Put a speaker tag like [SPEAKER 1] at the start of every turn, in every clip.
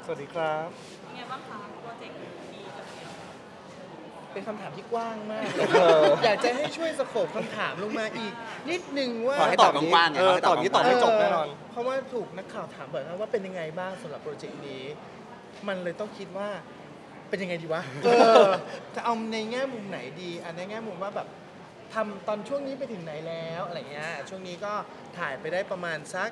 [SPEAKER 1] สวัสดีครับ
[SPEAKER 2] เป็นไงบ้างคะโปรเจกต์ดีกับเดียว
[SPEAKER 3] เป็นคำถามที่กว้างมากอยากจะให้ช่วยสโคปคำถามลงมาอีกนิดนึงว่า
[SPEAKER 1] ขอให้
[SPEAKER 4] ตอบกว้างๆไง
[SPEAKER 1] ตอบนี้ตอบไม่จบแน่นอน
[SPEAKER 3] เพราะว่าถูกนักข่าวถามบ่อยมากว่าเป็นยังไงบ้างสำหรับโปรเจกต์นี้ มันเลยต้องคิดว่าเป็นยังไงดีวะจะเอาในแง่มุมไหนดีอันในแง่มุมว่าแบบทำตอนช่วงนี้ไปถึงไหนแล้วอะไรเงี้ยช่วงนี้ก็ถ่ายไปได้ประมาณสัก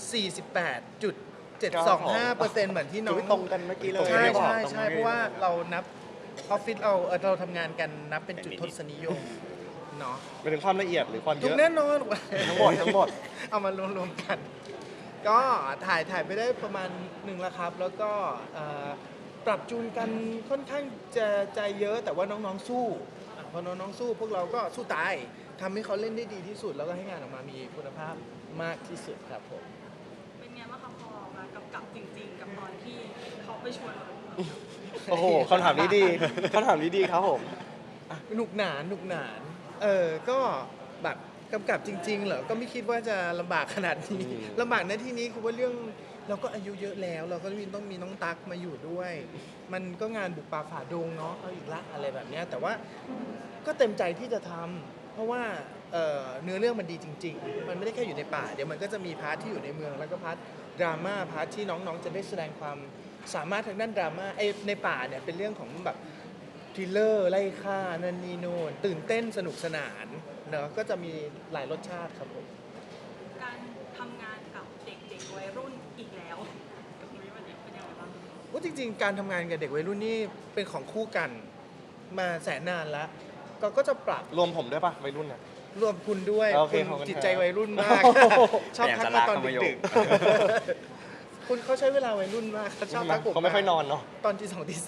[SPEAKER 3] 48.725%เหมือนที่น้อง
[SPEAKER 1] ตรงกันเมื่อกี้เลย
[SPEAKER 3] ใช่
[SPEAKER 1] ไม่บอก
[SPEAKER 3] ใช่
[SPEAKER 1] ตรง
[SPEAKER 3] ใช่
[SPEAKER 1] นี้
[SPEAKER 3] เพราะว่าเรานับออฟฟิศเราทำงานกันนับเป็นจุดทศนิยมเนาะ
[SPEAKER 1] ไปถึงความละเอียดหรือความเย
[SPEAKER 3] ถูก
[SPEAKER 1] อะ
[SPEAKER 3] แน่นอน
[SPEAKER 1] ทั้งหมด
[SPEAKER 3] เอามารวมๆกัน ก็ถ่ายไปได้ประมาณหนึ่งแล้วครับ แล้วก็ปรับจูนกันค่อนข้างจะใจเยอะแต่ว่าน้องๆสู้พอน้องๆสู้พวกเราก็สู้ตายทำให้เขาเล่นได้ดีที่สุด แล้วก็ให้งานออกมามีคุณภาพมากที่สุดครับผม
[SPEAKER 2] เป็นไงบ้างคะพอมากำกับจริงๆ กับตอนที่เขาไปชวนเรา
[SPEAKER 1] โอ้โหคำถามนี้ดีคำถามนี้ดีครับผม
[SPEAKER 3] หนุกหนานหนุกหนานก็แบบกำกับจริงๆเหรอก็ไม่คิดว่าจะลำบากขนาดนี้
[SPEAKER 1] อืม
[SPEAKER 3] ลำบากในที่นี้คือว่าเรื่องเราก็อายุเยอะแล้ว เราก็ต้องมีน้องตั๊กมาอยู่ด้วย มันก็งานบุกป่าฝ่าดงเนาะเอาอีกละอะไรแบบเนี้ยแต่ว่าก็เต็มใจที่จะทำเพราะว่าเนื้อเรื่องมันดีจริงๆ มันไม่ได้แค่อยู่ในป่าเดี๋ยวมันก็จะมีพาร์ทที่อยู่ในเมืองแล้วก็พาร์ทดราม่าพาร์ทที่น้องๆจะได้แสดงความสามารถทางด้านดราม่าในป่าเนี่ยเป็นเรื่องของแบบ ทริลเลอร์ไล่ฆ่านันนี่โน่นตื่นเต้นสนุกสนานเนอะก็จะมีหลายรสชาติครับผม
[SPEAKER 2] การทำงานกับเด็กๆวัยรุ่นอีกแล้วกับนุ้ยวันนี้เป็นยังไงบ้าง
[SPEAKER 3] ว่าจริงๆ การทำงานกับเด็กวัยรุ่นนี่เป็นของคู่กันมาแสนนานแล้วก็จะปรับ
[SPEAKER 1] รวมผมด้วยป่ะวัยรุ่นเนี่ย
[SPEAKER 3] รวมคุณด้วย
[SPEAKER 1] โอเค
[SPEAKER 3] คุณ
[SPEAKER 1] ขอบคุณ
[SPEAKER 3] จิตใจ
[SPEAKER 1] ครับ
[SPEAKER 3] วัยรุ่นมาก ชอบทักมาตอนดึกๆคุณเขาใช้เวลาวัยรุ่นมากเขาชอบทักผม
[SPEAKER 1] เขาไม่ค่อยนอนเนาะ
[SPEAKER 3] ตอนที่2ที่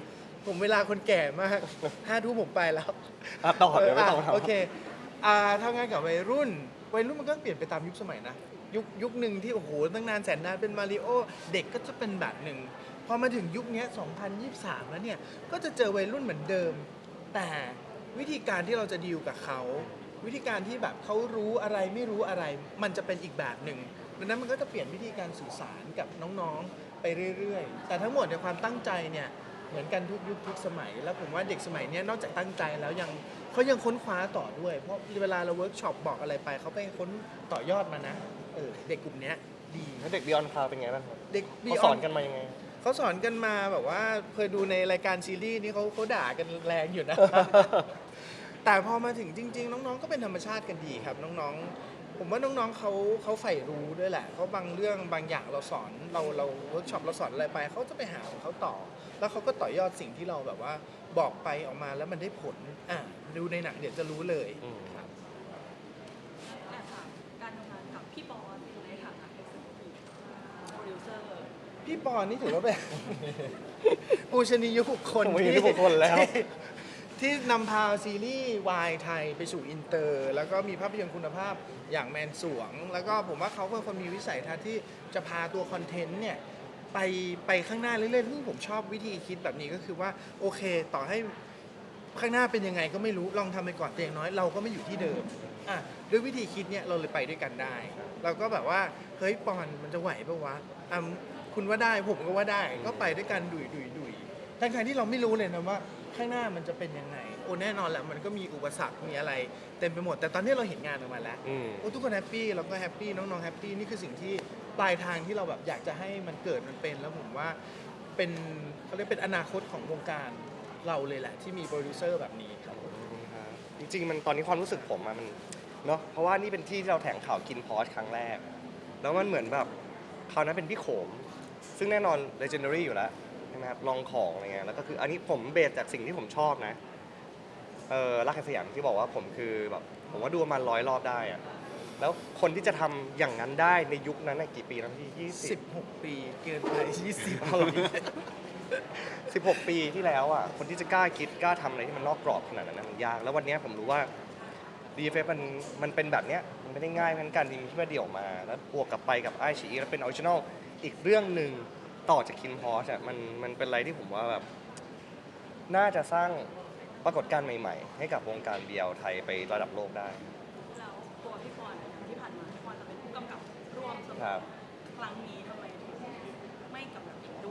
[SPEAKER 3] 3ผมเวลาคนแก่มาก5 ทุ่มผมไปแล้ว
[SPEAKER 1] ต่อเดี๋ยวไม่ต้อง
[SPEAKER 3] โอเคทำงานกับวัยรุ่นมันก็เปลี่ยนไปตามยุคสมัยนะยุคหนึ่งที่โอ้โหตั้งนานแสนนานเป็นมาริโอเด็กก็จะเป็นแบบหนึ่งพอมาถึงยุคนี้2023แล้วเนี่ยก็จะเจอวัยรุ่นเหมือนเดิม แต่วิธีการที่เราจะดีลกับเขาวิธีการที่แบบเขารู้อะไรไม่รู้อะไร มันจะเป็นอีกแบบหนึ่งดังนั้นมันก็จะเปลี่ยนวิธีการสื่อสารกับน้องๆไปเรื่อยๆแต่ทั้งหมดในความตั้งใจเนี่ยเหมือนกันทุกยุคทุกสมัย แล้วผมว่าเด็กสมัยนี้นอกจากตั้งใจแล้วเขายังค้นคว้าต่อด้วย เพราะเวลาเราเวิร์กช็อปบอกอะไรไปเขาไปค้นต่อยอดมานะเด็กกลุ่มเนี้ยดี
[SPEAKER 1] แล้วเด็กบิออนคลาวเป็นไงบ้างครับ
[SPEAKER 3] เด็ก
[SPEAKER 1] เขาสอนกันมายังไง
[SPEAKER 3] เขาสอนกันมาแบบว่าเคยดูในรายการซีรีส์นี่เขาด่ากันแรงอยู่นะ แต่พอมาถึงจริง ๆ น้องๆก็เป็นธรรมชาติกันดีครับน้องๆผมว่าน้องๆเขาใฝ่รู้ด้วยแหละเขาบางเรื่องบางอย่างเราสอนเราเวิร์กช็อปเราสอนอะไรไปเขาจะไปหาของเขาต่อ แล้วเขาก็ต่อยอดสิ่งที่เราแบบว่าบอกไปออกมาแล้วมันได้ผลดูในหนังเดี๋ยวจะรู้เลย
[SPEAKER 1] อืม
[SPEAKER 3] ครับ
[SPEAKER 2] แอบถามการทำงานกับพี่บอลในฐานะ Executive Producer
[SPEAKER 3] พี่ปอนนี่ถือว่าเป็น ปูชนียบุคคล
[SPEAKER 1] ปูชนียบุคคลแล้ว
[SPEAKER 3] ที่นำพาซีรีส์วายไทยไปสู่อินเตอร์ แล้วก็มีภาพยนตร์คุณภาพอย่างแมนสวง แล้วก็ผมว่าเขาเป็นคนมีวิสัยทัศน์ที่จะพาตัวคอนเทนต์เนี่ยไปข้างหน้าเรื่อยๆซึ่งผมชอบวิธีคิดแบบนี้ก็คือว่าโอเคต่อให้ข้างหน้าเป็นยังไงก็ไม่รู้ลองทำไปก่อนแต่อย่างน้อยเราก็ไม่อยู่ที่เดิมด้วยวิธีคิดเนี่ยเราเลยไปด้วยกันได้ เราก็แบบว่าเฮ้ยปอนมันจะไหวปะวะคุณว่าได้ผมก็ว่าได้ก็ไปด้วยกันดุยทั้งที่เราไม่รู้เลยนะว่าข้างหน้ามันจะเป็นยังไงโอ้แน่นอนแหละมันก็มีอุปสรรคมีอะไรเต็มไปหมดแต่ตอนนี้เราเห็นงานออกมาแล้ว
[SPEAKER 1] อืม
[SPEAKER 3] โอ้ทุกคนแฮปปี้เราก็แฮปปี้น้องๆแฮปปี้นี่คือสิ่งที่ปลายทางที่เราแบบอยากจะให้มันเกิดมันเป็นแล้วผมว่าเป็นเขาเรียกเป็นอนาคตของวงการเราเลยแหละที่มีโปรดิวเซอร์แบบนี้ครับ
[SPEAKER 1] จริงๆมันตอนนี้ความรู้สึกผมอะมันเนาะเพราะว่านี่เป็นที่ที่เราแถลงข่าวกินพอสครั้งแรก แล้วมันเหมือนแบบคราวนั้นเป็นพี่โขม ซึ่งแน่นอน legendary อยู่แล้วใช่ไหมครับลองของอะไรเงี้ยแล้วก็คืออันนี้ผมเบสจากสิ่งที่ผมชอบนะรักแห่งสยามที่บอกว่าผมคือแบบผมว่าดูประมาณ100 รอบได้อะแล้วคนที่จะทำอย่างนั้นได้ในยุคนั้นน่ะกี่ปีแล้วพี่20
[SPEAKER 3] 16 ปีเกินไป20
[SPEAKER 1] 16 ปีที่แล้วอ่ะคนที่จะกล้าคิดกล้าทำอะไรที่มันนอกกรอบขนาดนั้นนะมันยากแล้ววันนี้ผมรู้ว่า DFF มันเป็นแบบเนี้ยมันไม่ได้ง่ายเหมือนกันจริงที่ว่าเดี่ยวมาแล้วบวกกับไปกับไอชีแล้วเป็นออริจินอลอีกเรื่องหนึ่งต่อจากคินพอสอ่ะมันเป็นอะไรที่ผมว่าแบบน่าจะสร้างปรากฏการณ์ใหม่ๆ ให้กับวงการ BL ไทยไประดับโลกได้
[SPEAKER 2] แล้วตัวพี่บอลที่ผ่านมาพี่บอลจะเป็นผู้กำกับร่วมเสม
[SPEAKER 1] ครั
[SPEAKER 2] อบ ครั้งนี้ทำไมถึงไม่กำกับเองด้วย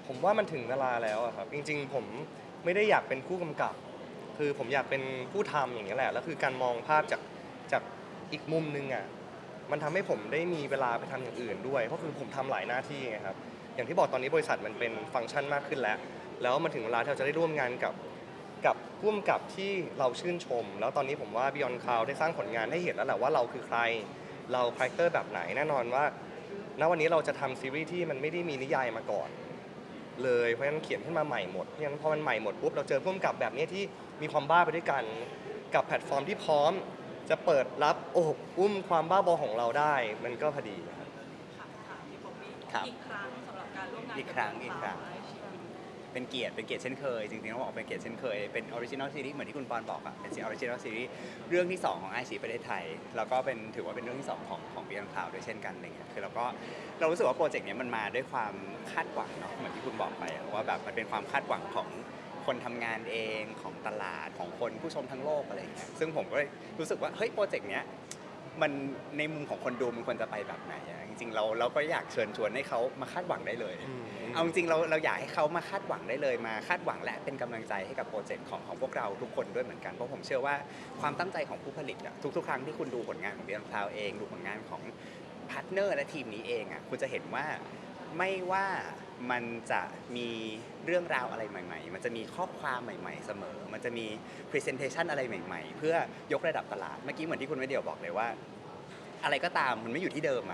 [SPEAKER 1] ผมว่ามันถึงเวลาแล้วอะครับจริงๆผมไม่ได้อยากเป็นผู้กำกับ คือผมอยากเป็นผู้ทำอย่างนี้ยแหละแล้วคือการมองภาพจากอีกมุมนึงอะมันทำให้ผมได้มีเวลาไปทำอย่างอื่นด้วยเพราะคือผมทำหลายหน้าที่ไงครับอย่างที่บอกตอนนี้บริษัทมันเป็นฟังก์ชันมากขึ้นแล้วมันถึงเวลาที่เราจะได้ร่วมงานกับผู้กำกับที่เราชื่นชม แล้วตอนนี้ผมว่า Beyond Cloud ได้สร้างผลงานให้เห็นแล้วแหละว่าเราคือใครเราคาแรคเตอร์แบบไหนแน่นอนว่าณวันนี้เราจะทำซีรีส์ที่มันไม่ได้มีนิยายมาก่อนเลยเพราะฉะนั้นเขียนขึ้นมาใหม่หมดเพราะฉะนั้นพอมันใหม่หมดปุ๊บเราเจอผู้กำกับแบบนี้ที่มีความบ้าไปด้วยกันกับแพลตฟอร์มที่พร้อมจะเปิดรับโอบอุ้มความบ้าบอของเราได้มันก็พอดีครับ
[SPEAKER 2] ค่ะถามพี่ป๊อปปี้
[SPEAKER 4] ครับ
[SPEAKER 2] อีกครั้งสำหรับการร่วมงาน
[SPEAKER 4] อีกครั้ง
[SPEAKER 2] กับ
[SPEAKER 4] อีกครั้ง เป็นเกียรติเช่นเคย จริงๆต้องบอกเป็นเกียรติเช่นเคย เป็นออริจินอลซีรีส์เหมือนที่คุณปอนบอกอะเป็นออริจินอลซีรีส์เรื่องที่ 2 ของไอชีประเทศไทย แล้วก็ถือว่าเป็นเรื่องที่ 2 ของBeyond Cloudด้วยเช่นกันอะไรเงี้ยคือเรารู้สึกว่าโปรเจกต์เนี้ยมันมาด้วยความคาดหวังเนาะเหมือนที่คุณบอกไปอะว่าแบบมันเป็นความคาดหวังของคนทำงานเองของตลาดของคนผู้ชมทั้งโลกอะไรเงี้ยซึ่งผมก็รู้สึกว่าเฮ้ยโปรเจกต์เนี้ยมันในมุมของคนดูมันควรจะไปแบบไหนอะจริงๆเราก็อยากเชิญชวนให้เขามาคาดหวังได้เลย เอาจริงๆเราอยากให้เขามาคาดหวังได้เลยมาคาดหวังและเป็นกำลังใจให้กับโปรเจกต์ของพวกเราทุกคนด้วยเหมือนกันเพราะผมเชื่อว่าความตั้งใจของผู้ผลิตอะทุกๆครั้งที่คุณดูผลงานของ Beyond Cloud เองดูผลงานของพาร์ทเนอร์และทีมนี้เองอะคุณจะเห็นว่าไม่ว่ามันจะมีเรื่องราวอะไรใหม่ๆมันจะมีข้อความใหม่ๆเสมอมันจะมี Presentation อะไรใหม่ๆเพื่อยกระดับตลาดเมื่อกี้เหมือนที่คุณวิเดียวบอกเลยว่าอะไรก็ตามมันไม่อยู่ที่เดิมอะ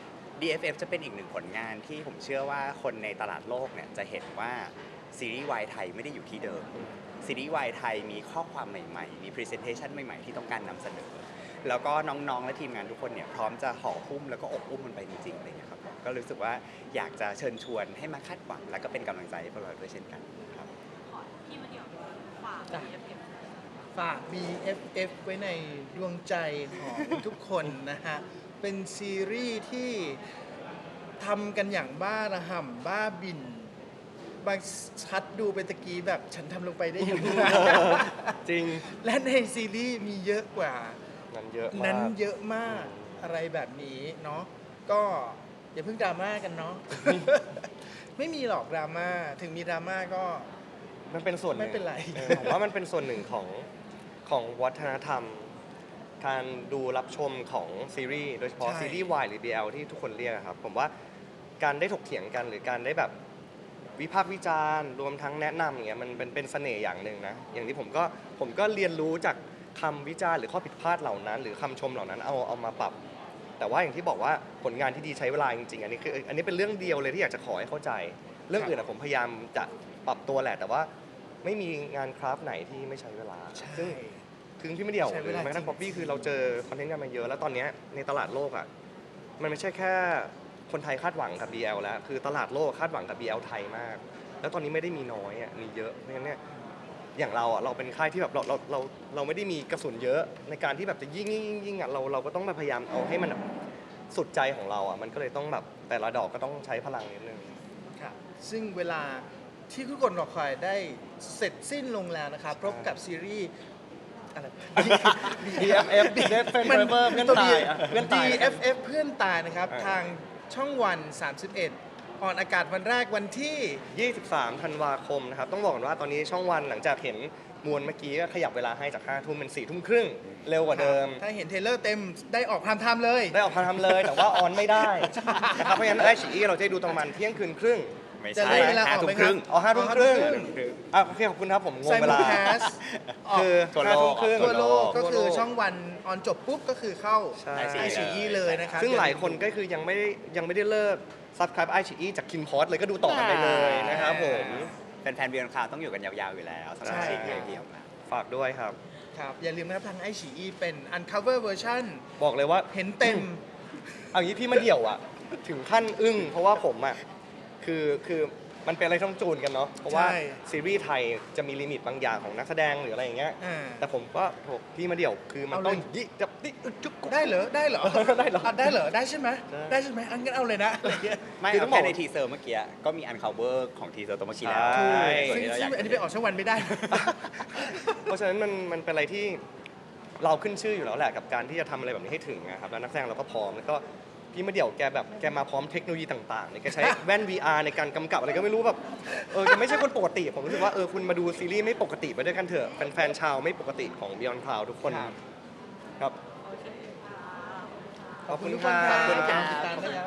[SPEAKER 4] DFF จะเป็นอีกหนึ่งผลงานที่ผมเชื่อว่าคนในตลาดโลกเนี่ยจะเห็นว่าซีรีส์วายไทยไม่ได้อยู่ที่เดิมซีรีส์วายไทยมีข้อความใหม่ๆมี Presentation ใหม่ๆที่ต้องการนำเสนอแล้วก็น้องๆและทีมงานทุกคนเนี่ยพร้อมจะห่อหุ้มแล้วก็อบอุ้มมันไปจริงๆอะไรอย่างเงี้ยครับก็รู้สึกว่าอยากจะเชิญชวนให้มาคาดหวังและก็เป็นกำลังใจให้พวกเราด้วยเช่นกันครับ
[SPEAKER 2] ขอพี่มาเดี่ยวฝาก BFF
[SPEAKER 3] ฝาก BFF ไว้ในดวงใจของทุกคนนะฮะ เป็นซีรีส์ที่ทำกันอย่างบ้าระห่ำบ้าบิน บางชัดดูไปตะกี้แบบฉันทำลงไปได้ยังไง
[SPEAKER 1] จริง
[SPEAKER 3] และในซีรีส์มีเยอะกว่า
[SPEAKER 1] นั้นเยอะมาก
[SPEAKER 3] นั้นเยอะมากอะไรแบบนี้เนาะก็อย่าเพิ่งดราม่ากันเนาะ ไม่มีหรอกดราม่าถึงมีดราม่าก็
[SPEAKER 1] มันเป็นส่วนหนึ่ง
[SPEAKER 3] ไม่เป็นไร
[SPEAKER 1] ผมว่ามันเป็นส่วนหนึ่งของวัฒนธรรม การดูรับชมของซีรีส์โดยเฉพาะ
[SPEAKER 3] ใช่
[SPEAKER 1] ซีรีส์ Y หรือ BL ที่ทุกคนเรียกอะครับผมว่าการได้ถกเถียงกันหรือการได้แบบวิพากษ์วิจารณ์รวมทั้งแนะนำอย่างเงี้ยมันเป็นเสน่ห์อย่างหนึ่งนะอย่างที่ผมก็เรียนรู้จากคำวิจารณ์หรือข้อผิดพลาดเหล่านั้น หรือคำชมเหล่านั้นเอามาปรับ แต่ว่าอย่างที่บอกว่าผลงานที่ดีใช้เวลาจริงๆอันนี้เป็นเรื่องเดียวเลยที่อยากจะขอให้เข้าใจ เรื่องอื่นอะผมพยายามจะปรับตัวแหละ แต่ว่าไม่มีงานคราฟต์ไหนที่ไม่ใช้เวลา
[SPEAKER 3] ใช่
[SPEAKER 1] ซึ่งคือพี่ไม่เดียว
[SPEAKER 3] ใช้
[SPEAKER 1] ห
[SPEAKER 3] เว
[SPEAKER 1] รือ
[SPEAKER 3] ลา
[SPEAKER 1] แม้กระทั่ง
[SPEAKER 3] จริง
[SPEAKER 1] ป๊อปปี้คือเราเจอคอนเทนต์กันมาเยอะ แล้วตอนเนี้ยในตลาดโลกอะมันไม่ใช่แค่คนไทยคาดหวังกับ BL แล้วคือตลาดโลกคาดหวังกับ BL ไทยมาก แล้วตอนนี้ไม่ได้มีน้อยอะมีเยอะเพราะฉะนั้นเนี่ยอย่างเราอะเราเป็นค่ายที่แบบเราไม่ได้มีกระสุนเยอะในการที่แบบจะยิงอะเราก็ต้องพยายามเอาให้มันแบบสุดใจของเราอะมันก็เลยต้องแบบแต่ละดอกก็ต้องใช้พลังนิดนึง
[SPEAKER 3] ครับซึ่งเวลาที่ทุกคนรอคอยได้เสร็จสิ้นลงแล้วนะครับพบกับซีรีส์อะไร
[SPEAKER 1] DFF Dead Friend Forever เพื่อนตายอะเพื่อนตาย
[SPEAKER 3] DFF เพื่อนตายนะครับ
[SPEAKER 1] เออ
[SPEAKER 3] ทางช่องวัน 31 ออนอากาศวันแรกวันที่
[SPEAKER 1] 23 ธันวาคมนะครับ ต้องบอกก่อนว่าตอนนี้ช่องวันหลังจากเห็นมวลเมื่อกี้ก็ขยับเวลาให้จาก 5 ทุ่มเป็น 4 ทุ่มครึ่ง เร็วกว่าเดิม
[SPEAKER 3] ถ้าเห็นเทรลเลอร์เต็มได้ออกพามไทม์เลย
[SPEAKER 1] ได้ออกทำเลย แต่ว่าออนไม่ได้นะครับ เพราะฉะนั้นไอชีเราจะได้ดูตอนประมาณเที่ยงคืนครึ่ง
[SPEAKER 4] ไม่
[SPEAKER 3] จะ
[SPEAKER 4] ใช่
[SPEAKER 3] ได้เวลาออกไหมครับ
[SPEAKER 4] 5 ทุ่มครึ่ง
[SPEAKER 1] อ๋อ5 ทุ่มครึ่ง
[SPEAKER 3] 5 ทุ่มครึ่ง
[SPEAKER 1] โอเคขอบคุณครับผมงง
[SPEAKER 3] ไซ
[SPEAKER 1] เว
[SPEAKER 3] มู
[SPEAKER 1] ลา
[SPEAKER 3] แคส
[SPEAKER 1] คือ
[SPEAKER 4] ทั่วโลก
[SPEAKER 1] 5 ทุ่มครึ่ง
[SPEAKER 3] ทั่วโลกก็คือ
[SPEAKER 1] ทั่วโลก
[SPEAKER 3] ช่องวันออนจบปุ๊บก็คือเข้า
[SPEAKER 1] ใช่
[SPEAKER 3] ไอชีเลยนะครับ
[SPEAKER 1] ซึ่งหลายคนก็คือยังไม่ได้เลิก subscribe ไอชีจากคินพอสเลยก็ดูต่อกันได้เลยนะครับผม
[SPEAKER 4] แฟนๆ Beyond Cloud ต้องอยู่กันยาวๆอยู่แล้วสำหรับ
[SPEAKER 3] ใช่
[SPEAKER 4] ซีรีส์ของเรา
[SPEAKER 1] ฝากด้วยครับ
[SPEAKER 3] ครับอย่าลืมนะครับทางไอชีเป็น uncover version
[SPEAKER 1] บอกเลยว่า
[SPEAKER 3] เห็นเต็ม
[SPEAKER 1] เอางี้พี่มาเดี่ยวอะถึงขั้นอึ้งเพราะว่าผมอะคือมันเป็นอะไรต้องจูนกันเนาะเพราะว่า
[SPEAKER 3] ใช่
[SPEAKER 1] ซีรีส์ไทยจะมีลิมิตบางอย่างของนักแสดงหรืออะไรอย่างเงี้ย
[SPEAKER 3] อ่า
[SPEAKER 1] แต่ผมก็โหพี่มาเดี่ยวคือมัน
[SPEAKER 3] เอาเลย
[SPEAKER 1] ต้องยิจับติอึกจุกกุ๊ก
[SPEAKER 3] ได้เหรอได้เหรอ
[SPEAKER 1] ได้เหรอ
[SPEAKER 3] ได้เหรอได้ใช่ไหม
[SPEAKER 1] ได้
[SPEAKER 3] ได้ใช่ไหมอันงั้นเอาเลยนะอะไรเงี้ย
[SPEAKER 4] ไม่
[SPEAKER 1] คือต้
[SPEAKER 4] เอา
[SPEAKER 1] องบอก
[SPEAKER 4] แค่ในทีเซอร์เมื่อกี้ก็มี uncover ของทีเซอร์ตัวเมื่อกี้แล้ว
[SPEAKER 1] ใช่
[SPEAKER 3] ซึ่ง
[SPEAKER 4] ที่เราอ
[SPEAKER 3] ซึ่
[SPEAKER 4] ยาก
[SPEAKER 3] งอันนี้ไปออกช่องวันไม่ได้
[SPEAKER 1] เพราะฉะนั้นมันเป็นอะไรที่เราขึ้นชื่ออยู่แล้วแหละกับการที่จะทำอะไรแบบนี้ให้ถึงนะครับแล้วนักแสดงเราก็พร้อมแล้วก็พี่มาเดี่ยวแกมาพร้อมเทคโนโลยีต่างๆเนี่ยแกใช้แว่น VR ในการกำกับอะไรก็ไม่รู้แบบแกไม่ใช่คนปกติผมรู้สึกว่าคุณมาดูซีรีส์ไม่ปกติไปด้วยกันเถอะแฟนๆชาวไม่ปกติของ Beyond Cloud ทุกคน
[SPEAKER 3] ครับ
[SPEAKER 1] ครับ
[SPEAKER 2] โอเคค่ะ
[SPEAKER 1] ขอบคุณ
[SPEAKER 3] ทุก
[SPEAKER 1] ค
[SPEAKER 3] คน
[SPEAKER 1] รั
[SPEAKER 3] ครับ
[SPEAKER 1] บ
[SPEAKER 3] ติดตามได้แล้ว